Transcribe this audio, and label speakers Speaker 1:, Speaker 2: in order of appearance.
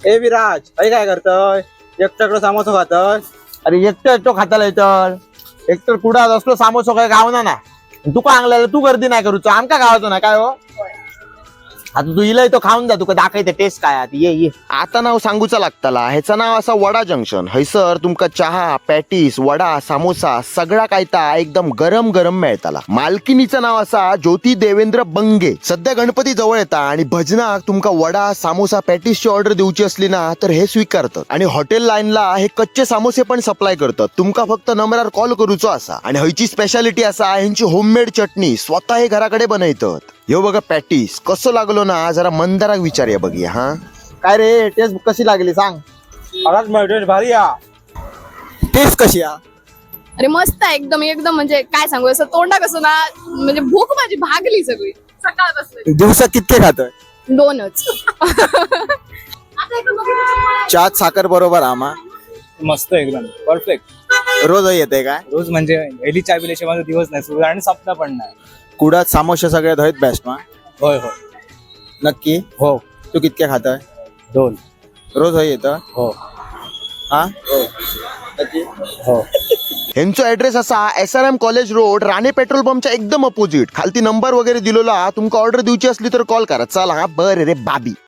Speaker 1: ए विराज अरे काय करतोय? एकट्याकडे समोसा खातोय?
Speaker 2: अरे एकटो खाताला तर एकतर कुडात असलो सामोसो काय गावना ना तुका आणलेलं तू गर्दी नाही करूचो आमका गावाचो ना काय हो. आता तू इलय तो खाऊन जा तुका दाखवते टेस्ट काय आता ये
Speaker 3: आता नाव सांगूचा लागताला ह्याचं नाव असा वडा जंक्शन. हैसर तुमका चहा पॅटीस वडा सामोसा सगळा कायता एकदम गरम गरम मिळताला. मालकिनीचं नाव असा ज्योती देवेंद्र बंगे. सध्या गणपती जवळ येता आणि भजनाक तुमका वडा सामोसा पॅटीसची ऑर्डर देऊची असली ना तर हे स्वीकारतात. आणि हॉटेल लाईनला हे कच्चे सामोसे पण सप्लाय करतात. तुमका फक्त नंबरावर कॉल करूचो असा. आणि ह्याची स्पेशालिटी असा ह्यांची होममेड चटणी स्वतः हे घराकडे बनवतात. ह्यो बघा पॅटीस कसं लागलो ना जरा मंदाराक विचारूया बघूया. हा
Speaker 2: काय रे टेस्ट कशी लागली सांग.
Speaker 1: आवाज मिळतोय भारी या.
Speaker 2: टेस्ट कशी आहे?
Speaker 4: अरे मस्त आहे एकदम एकदम म्हणजे काय सांगू असं तोंडा कसं ना म्हणजे भूक माझी भागली सगळी सकाळपासून.
Speaker 2: दिवसात कितके खातोय?
Speaker 4: 2च.
Speaker 2: चहात साखर बरोबर आमा
Speaker 1: मस्त एकदम परफेक्ट.
Speaker 2: रोज येते काय?
Speaker 1: रोज म्हणजे पहिली चाय पिल्याशिवाय माझा दिवस नाही सुरू आणि सप्ताह पण नाही.
Speaker 2: कुडात सामोसे सगळ्यात हयत बेस्ट मा.
Speaker 1: होय होय
Speaker 2: नक्की
Speaker 1: हो.
Speaker 2: तू कितके खातोय?
Speaker 1: 2.
Speaker 2: रोज हय येतं
Speaker 1: हो
Speaker 2: हा.
Speaker 1: हो.
Speaker 3: ह्यांचा ऍड्रेस असा SRM college road Rane petrol पंपच्या एकदम अपोजिट. खालती नंबर वगैरे दिलेला तुमका ऑर्डर देऊची असली तर कॉल करा. चला हा बरं रे बाबी.